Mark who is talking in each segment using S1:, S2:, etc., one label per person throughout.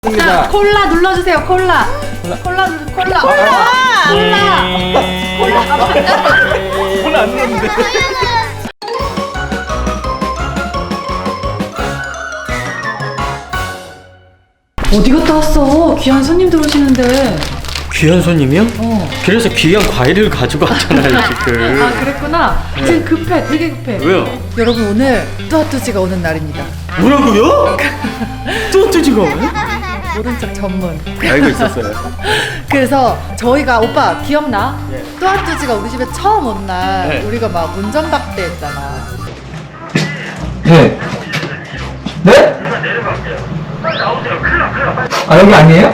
S1: 자, 콜라 눌러주세요. 콜라. 콜라.
S2: 콜라 안 넣었는데.
S1: 어디 갔다 왔어? 귀한 손님들 오시는데.
S2: 귀한 손님이요?
S1: 어.
S2: 그래서 귀한 과일을 가지고 왔잖아요 지금.
S1: 아, 그랬구나. 지금 급해. 되게 급해.
S2: 왜요?
S1: 여러분, 오늘 뚜아뚜지가 오는 날입니다.
S2: 뭐라고요? 뚜아뚜지가 왜?
S1: 모른 척 전문.
S2: 알고 있었어요.
S1: 그래서 저희가 오빠 기억나?
S2: 네.
S1: 뚜아뚜지가 우리 집에 처음 온 날
S2: 네.
S1: 우리가 막 운전박대 했잖아.
S3: 네. 네? 아, 여기 아니에요?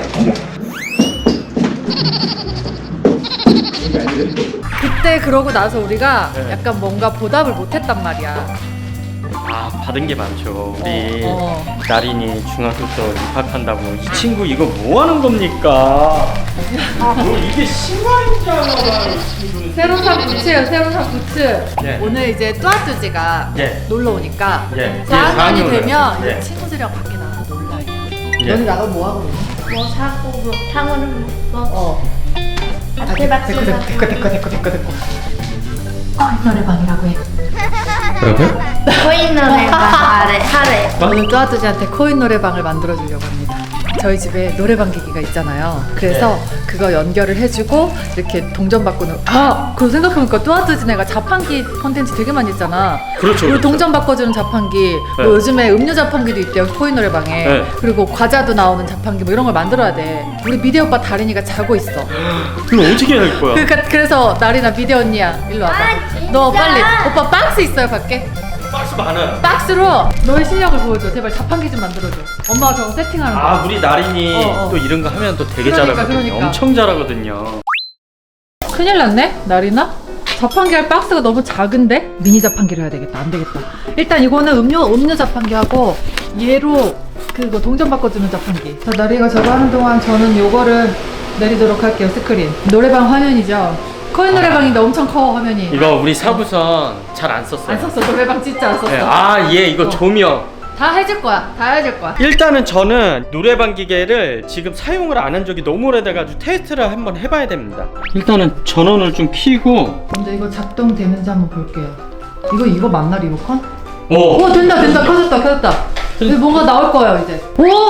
S1: 그때 그러고 나서 우리가
S2: 네.
S1: 약간 뭔가 보답을 못했단 말이야.
S2: 아 받은 게 많죠. 우리
S1: 어.
S2: 나린이 중학교 때 입학한다고 이 친구 이거 뭐 하는 겁니까? 뭐 이게 신화인잖아.
S1: 새로 산 부츠예요. 새로 산 부츠.
S2: 예.
S1: 오늘 이제 뚜아뚜지가
S2: 예.
S1: 놀러 오니까
S2: 예.
S1: 4학년이
S2: 예,
S1: 되면
S2: 예.
S1: 친구들이랑 밖에 나가서 놀라.
S2: 예.
S1: 너네 나가면 뭐 하고 놀냐?
S4: 뭐 사고 뭐 탕후루 먹고
S1: 어.
S4: 대박지가
S1: 됐고. 노래방이라고 해.
S2: 뭐라고요?
S4: 코인 노래방 하래
S1: 오늘 뚜아뚜지한테 코인 노래방을 만들어주려고 합니다. 저희 집에 노래방 기기가 있잖아요. 그래서 그거 연결을 해주고 이렇게 동전 바꾸는. 아, 그거 생각해보니까 뚜아뚜지네가 자판기 콘텐츠 되게 많이 있잖아.
S2: 그렇죠.
S1: 그리고
S2: 그렇죠.
S1: 동전 바꿔주는 자판기, 뭐
S2: 네.
S1: 요즘에 음료 자판기도 있대요. 코인 노래방에.
S2: 네.
S1: 그리고 과자도 나오는 자판기 뭐 이런 걸 만들어야 돼. 우리 미대 오빠 다린이가 자고 있어.
S2: 이거 어떻게 할 거야?
S1: 그래서 나리나 미대 언니야, 일로 와봐.
S4: 아, 진짜?
S1: 너 빨리. 오빠 박스 있어요, 밖에?
S2: 박스 많아요.
S1: 박스로 너의 실력을 보여줘. 제발 자판기 좀 만들어줘. 엄마가 저거 세팅하는 거.
S2: 아 우리 나린이
S1: 어.
S2: 또 이런 거 하면 또 되게
S1: 그러니까,
S2: 잘하거든요.
S1: 그러니까.
S2: 엄청 잘하거든요.
S1: 큰일 났네, 나리나? 자판기 할 박스가 너무 작은데? 미니 자판기를 해야 되겠다. 안 되겠다. 일단 이거는 음료 자판기 하고 얘로 그거 동전 바꿔주는 자판기. 자, 나리가 저거 하는 동안 저는 요거를 내리도록 할게요. 스크린. 노래방 화면이죠. 코인 노래방인데 엄청 커 화면이.
S2: 이거 우리 사부선 잘 안 썼어요.
S1: 안 썼어. 노래방 진짜 안 썼어.
S2: 네, 아, 예, 이거
S1: 어.
S2: 조명.
S1: 다 해줄 거야. 다 해줄 거야.
S2: 일단은 저는 노래방 기계를 지금 사용을 안 한 적이 너무 오래돼가지고 테스트를 한번 해봐야 됩니다. 일단은 전원을 좀 켜고.
S1: 먼저 이거 작동되는지 한번 볼게요. 이거 맞나 리모컨?
S2: 오.
S1: 오, 된다. 켜졌다. 이제 뭔가 나올 거예요 이제. 오,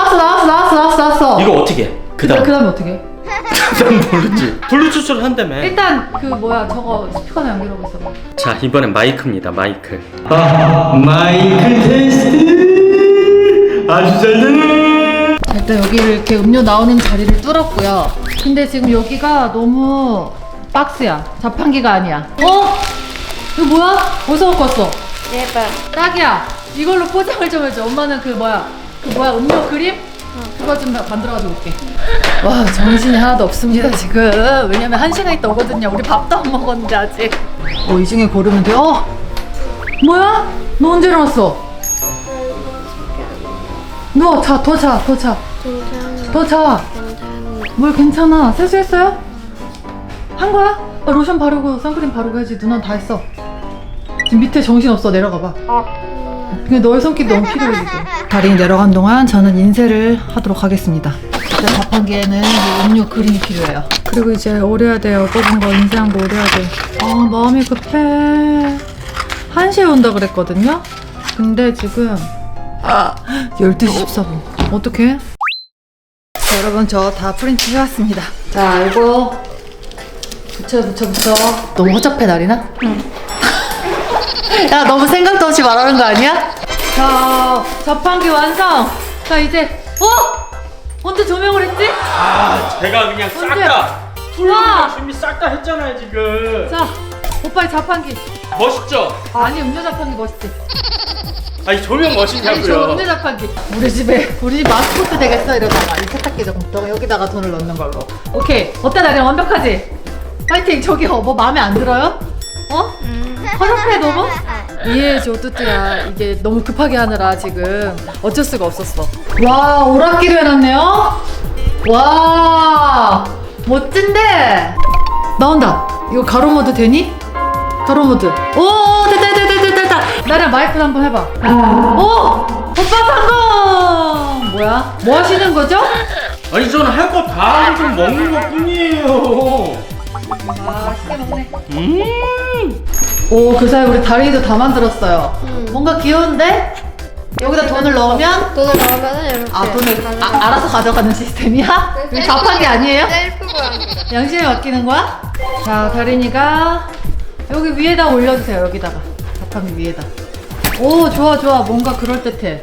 S1: 나왔어.
S2: 이거 어떻게 해? 그다음.
S1: 그다음에 어떻게 해?
S2: 그다음 모르지. 블루투스를 한다며.
S1: 일단 그 뭐야 저거 스피커나 연결하고 있어.
S2: 자, 이번엔 마이크입니다. 마이크. 마이크 테스트. 아주 잘 되네.
S1: 자, 일단 여기를 이렇게 음료 나오는 자리를 뚫었고요. 근데 지금 여기가 너무 박스야. 자판기가 아니야. 어? 이거 뭐야? 어디서 갖고 왔어?
S4: 대박
S1: 딱이야. 이걸로 포장을 좀 해줘. 엄마는 그 뭐야 음료 그림? 그거 좀 만들어가지고 올게. 와, 정신이 하나도 없습니다 지금. 왜냐면 1시간 있다 오거든요. 우리 밥도 안 먹었는데 아직. 이 중에 고르면 돼. 뭐야? 너 언제 일어났어? 누워. 더 자. 뭘 괜찮아. 세수했어요? 한 거야? 로션 바르고 선크림 바르고 해야지. 누나는 다 했어. 지금 밑에 정신 없어. 내려가 봐. 근데 너의 손길이 너무 필요해 지금. 다린이 내려간 동안 저는 인쇄를 하도록 하겠습니다. 일단 자판기에는 이 음료 그림이 필요해요. 그리고 이제 오려야 돼요. 뽑은 거 인쇄한 거 오려야 돼. 마음이 급해. 1시에 온다 그랬거든요. 근데 지금 12시 14분. 어떡해? 자, 여러분 저 다 프린트 해왔습니다. 자, 이거 붙여. 너무 허접해 나리나? 응. 야, 너무 생각도 없이 말하는 거 아니야? 자, 자판기 완성! 자, 이제, 언제 조명을 했지?
S2: 아, 제가 그냥 싹
S1: 언제?
S2: 다.
S1: 우와!
S2: 준비 싹 다 했잖아요, 지금.
S1: 자, 오빠의 자판기.
S2: 멋있죠?
S1: 아니, 음료 자판기 멋있지?
S2: 아니, 조명
S1: 아니, 저
S2: 멋있냐고요.
S1: 음료 자판기. 우리 집 마스코트 되겠어, 이러다가. 이 세탁기 조금 여기다가 돈을 넣는 걸로. 오케이. 어때, 나랑 완벽하지? 파이팅! 저기요, 뭐 마음에 안 들어요? 허접해, 너무? 이해해줘, 뚜뚜야. 이게 너무 급하게 하느라 지금 어쩔 수가 없었어. 와, 오락기로 해놨네요? 와, 멋진데? 나온다. 이거 가로 모드 되니? 가로 모드. 오, 됐다. 나랑 마이크 한번 해봐. 오! 오빠 성공! 뭐야? 뭐 하시는 거죠?
S2: 아니 저는 할 거 다 하고 좀 먹는 것 뿐이에요.
S1: 맛있게 먹네. 오, 그 사이 우리 다리도 다 만들었어요. 뭔가 귀여운데? 여기다 돈을 넣으면
S4: 돈을 넣으면은 이렇게.
S1: 아, 돈을 알아서 가져가는 시스템이야? 이거 자판기 아니에요?
S4: 셀프 고양이.
S1: 양심에 맡기는 거야? 자, 다린이가 여기 위에다 올려주세요. 여기다가 자판기 위에다. 오, 좋아 좋아. 뭔가 그럴듯해.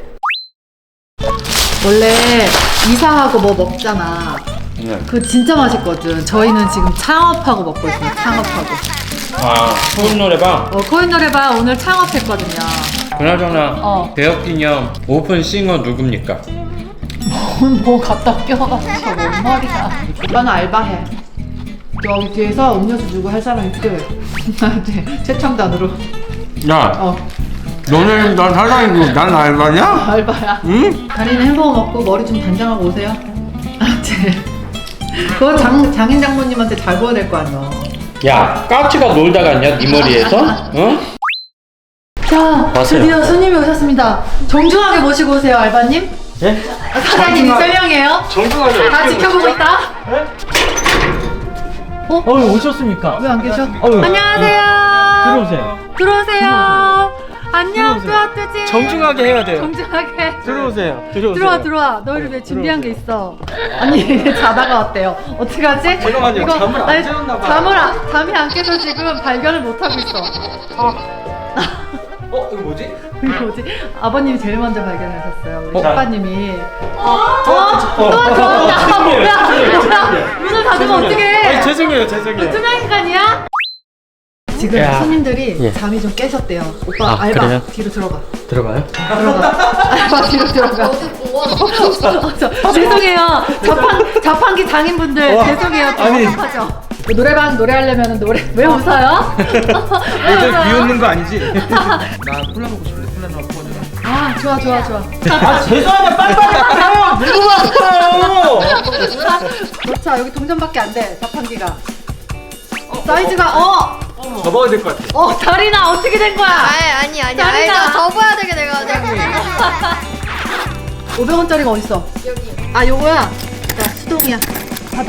S1: 원래 이사하고 뭐 먹잖아.
S2: 네.
S1: 그거 진짜 맛있거든. 저희는 지금 창업하고 먹고 있어요. 창업하고.
S2: 아, 코인 노래방.
S1: 코인 노래방 오늘 창업했거든요.
S2: 그나저나 개업기념 오픈 싱어 누굽니까?
S1: 뭐 갖다 껴가지고 뭔 말이야. 오빠는 알바해. 저기 뒤에서 음료수 주고 할 사람이 필요해. 나한테 최첨단으로.
S2: 야, 너네 난 사장이고 난 알바냐?
S1: 알바야.
S2: 응?
S1: 다리는 햄버거 먹고 머리 좀 단장하고 오세요. 알았지? 그거 장인 장모님한테 잘 보여야 될 거 아니야.
S2: 야, 까치가 놀다 갔냐? 네 머리에서? 응?
S1: 자,
S2: 왔어요.
S1: 드디어 손님이 오셨습니다. 정중하게 모시고 오세요, 알바님.
S2: 예?
S1: 사장님이 설명해요.
S2: 정중하게.
S1: 다 지켜보고 있다.
S2: 오셨습니까?
S1: 왜 안 계셔?
S2: 안녕하세요.
S1: 들어오세요. 들어오세요. 안녕, 뚜아뚜지.
S2: 정중하게 해야 돼요.
S1: 정중하게.
S2: 들어오세요.
S1: 들어와. 너희를 위해 준비한 게 있어. 아니, 자다가 왔대요. 어떡하지?
S2: 잠깐만요.
S1: 이거-
S2: 잠을 안
S1: 아니,
S2: 재웠나 봐요.
S1: 잠이 안 깨서 지금 발견을 못 하고 있어.
S2: 이거 뭐지?
S1: 이거 뭐지? 아버님이 제일 먼저 발견하셨어요. 우리
S2: 자.
S1: 오빠님이. 들어왔다. 뭐야? 문을 닫으면 어떡해?
S2: 죄송해요.
S1: 투명 인간이야? 지금
S2: 야.
S1: 손님들이
S2: 예.
S1: 잠이 좀 깨셨대요. 오빠
S2: 아,
S1: 알바
S2: 그래요?
S1: 뒤로 들어가.
S2: 들어가요?
S1: 알바 뒤로 들어가. 죄송해요. 자판기 장인분들 죄송해요. 부탁하죠. 노래방 노래하려면 노래 왜 웃어요? 왜 웃어요?
S3: 비웃는 거 아니지? 나 콜라 먹고 싶은데 콜라 좀 퍼줘라.
S1: 아 좋아.
S2: 아, 죄송해요. 빨리빨리 하세요. 물어봤어요.
S1: 자 여기 동전밖에 안 돼. 자판기가. 사이즈가
S3: 접어야 될 것 같아.
S1: 다리나 어떻게 된 거야?
S4: 아니.
S1: 짜리나.
S4: 알죠. 접어야 되게 돼가지고.
S1: 500원짜리가 어딨어?
S4: 여기.
S1: 아 요거야. 자 수동이야. 받아.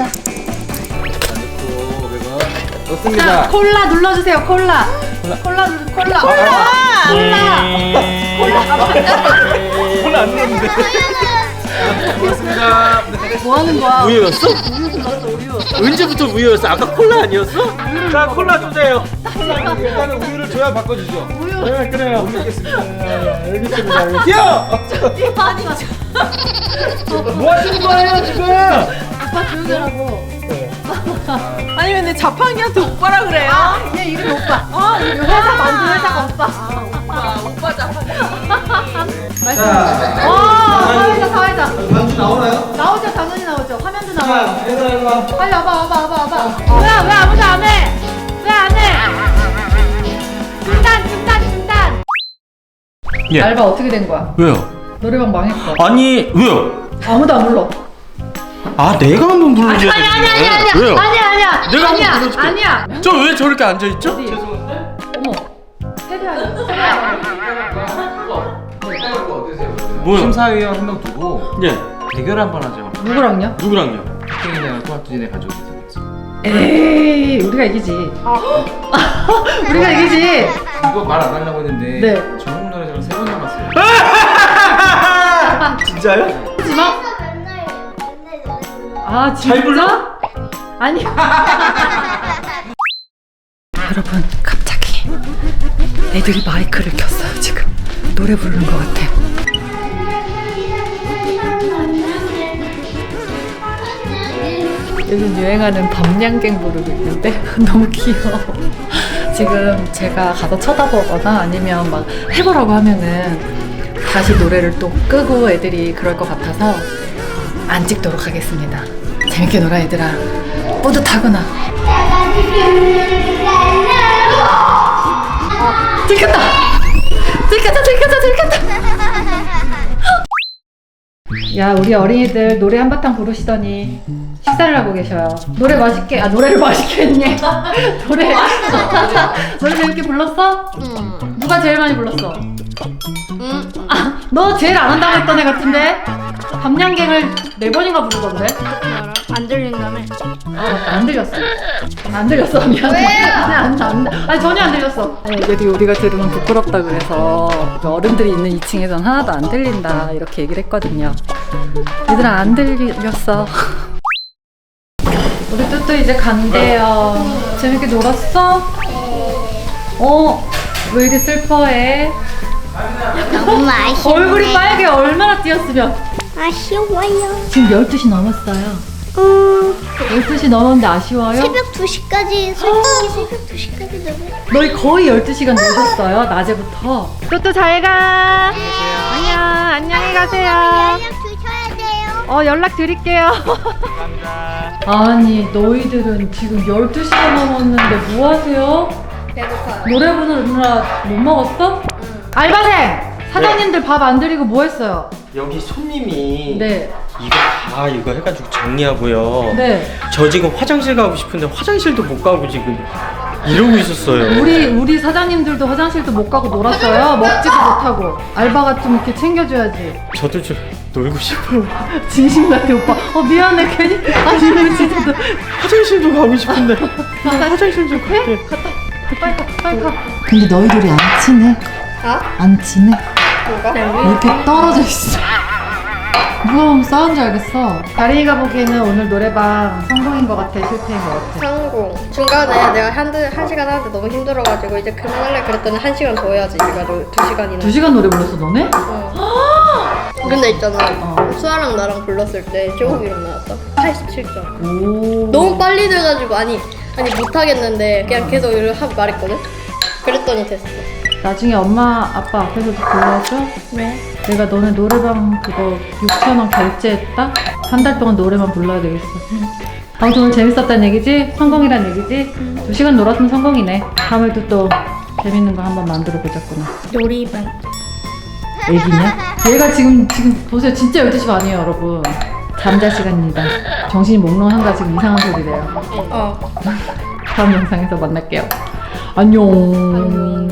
S1: 자
S3: 좋습니다.
S1: 콜라 눌러주세요. 콜라. 콜라.
S3: 콜라 안 넣었는데. 고맙습니다.
S1: 뭐 하는 거야?
S2: 우유였어?
S1: 우유.
S2: 언제부터 우유였어? 아까 콜라 아니었어? 자, 콜라 주세요.
S3: 일단은 우유를 줘야 바꿔주죠.
S1: 우유.
S2: 네, 그래요.
S3: 알겠습니다.
S2: 알겠습니다.
S3: 뛰어!
S1: 아니
S2: 뭐 하시는 거예요, 지금?
S1: 오빠 조용히 하라고.
S5: 아니 근데 자판기한테 오빠라 그래요?
S1: 얘 이름이 오빠. 이 회사 만든 회사가 오빠.
S5: 오빠 자판기.
S1: 사회자.
S3: 반주 나오나요?
S1: 나오죠, 당연히 나오죠. 화면도 나와요.
S3: 일로
S1: 빨리 와봐. 왜 아무도 안 해? 왜 안 해? 중단.
S2: 예.
S1: 알바 어떻게 된 거야?
S2: 왜요?
S1: 노래방 망했어.
S2: 아니, 왜요?
S1: 아무도 안 불러.
S2: 아, 내가 한번 불러줘야
S1: 아니야.
S2: 왜요?
S1: 아니야.
S2: 내가 한번 불러줄게.
S1: 아니야.
S2: 저 왜 저렇게 앉아있죠?
S1: 어디? 어머. 세대야.
S2: 뭐요?
S3: 심사위원 한 명 두고
S2: 예.
S3: 대결 한번 하죠.
S1: 누구랑요?
S2: 누구랑요?
S3: 땡이네가 토마토진에 가져오게 생겼어.
S1: 에이, 우리가 이기지. 우리가 이기지.
S3: 이거 말 안 하려고 했는데
S1: 네.
S3: 전국 노래자랑 3번 남았어요.
S2: 진짜요?
S1: 하지 마. 아, 진짜?
S2: 잘 불러?
S1: 아니. 여러분, 갑자기 애들이 마이크를 켰어요. 지금 노래 부르는 것 같아. 요즘 유행하는 밤양갱 부르고 있는데 너무 귀여워. 지금 제가 가서 쳐다보거나 아니면 막 해보라고 하면은 다시 노래를 또 끄고 애들이 그럴 것 같아서 안 찍도록 하겠습니다. 재밌게 놀아 얘들아. 뿌듯하구나. 들켰다. 야, 우리 어린이들 노래 한바탕 부르시더니 식사를 하고 계셔요. 노래를 맛있게 했네. 노래 재밌게 불렀어? 누가 제일 많이 불렀어? 너 제일 안 한다고 했던 애 같은데? 감량갱을 4번인가 부르던데?
S4: 안 들린다며.
S1: 안 들렸어. 안 들렸어. 미안해. 아니 전혀 안 들렸어. 아니, 애들이 우리가 들으면 부끄럽다 그래서 어른들이 있는 2층에선 하나도 안 들린다 이렇게 얘기를 했거든요. 얘들아 안 들렸어. 우리 뚜뚜 이제 간대요. 재밌게 놀았어? 왜 이리 슬퍼해?
S4: 너무 아쉬워.
S1: 얼굴이 빨개. 얼마나 뛰었으면.
S4: 아쉬워요.
S1: 지금 12시 넘었어요. 12시 넘었는데 아쉬워요?
S4: 새벽 2시까지 솔직히 새벽 2시까지 너무.
S1: 너희 거의 12시간 노셨어요, 낮에부터. 뚜뚜 잘 가. 안녕, 안녕히 가세요.
S4: 연락 주셔야 돼요.
S1: 연락 드릴게요.
S2: 감사합니다.
S1: 아니, 너희들은 지금 12시간 넘었는데 뭐 하세요?
S4: 배고파요.
S1: 노래 부르느라 못 먹었어? 알바생! 사장님들 밥 안 드리고 뭐 했어요?
S2: 여기 손님이
S1: 네.
S2: 이거 해가지고 정리하고요.
S1: 네.
S2: 저 지금 화장실 가고 싶은데 화장실도 못 가고 지금 이러고 있었어요.
S1: 우리 사장님들도 화장실도 못 가고 놀았어요. 먹지도 못하고. 알바가 좀 이렇게 챙겨줘야지.
S2: 저도 좀 놀고 싶어요.
S1: 진심 같아, 오빠. 미안해, 괜히. 아니, 진짜.
S2: 화장실도 가고 싶은데. 화장실 좀 갈게.
S1: 빨리 가. 근데 너희들이 안 친해? 안 친해?
S4: 뭐가?
S1: 왜 이렇게 떨어져 있어? 누가 보면 싸운 줄 알겠어. 다린이가 보기에는 오늘 노래방 성공인 것 같아, 실패인 것 같아?
S4: 성공. 중간에 내가 한 시간 하는데 너무 힘들어가지고 이제 그만할래 그랬더니 1시간 더 해야지. 이거를 2시간이나.
S1: 2시간 노래 불렀어, 너네?
S4: 근데 있잖아. 수아랑 나랑 불렀을 때 조금 일어나왔어. 87점.
S1: 오.
S4: 너무 빨리 돼가지고 아니 못하겠는데 그냥 계속 이렇게 말했거든. 그랬더니 됐어.
S1: 나중에 엄마, 아빠 앞에서도 불러줘?
S4: 왜?
S1: 내가 너네 노래방 그거 6,000원 결제했다? 한 달 동안 노래만 불러야 되겠어. 아무튼 오늘 재밌었다는 얘기지? 성공이란 얘기지? 2시간 놀았으면 성공이네. 다음에도 또 재밌는 거 한번 만들어 보자꾸나.
S4: 놀이방.
S1: 애기냐? 얘가 지금 보세요. 진짜 12시 반이에요, 여러분. 잠잘 시간입니다. 정신이 몽롱한가 지금 이상한 소리래요. 다음 영상에서 만날게요. 안녕.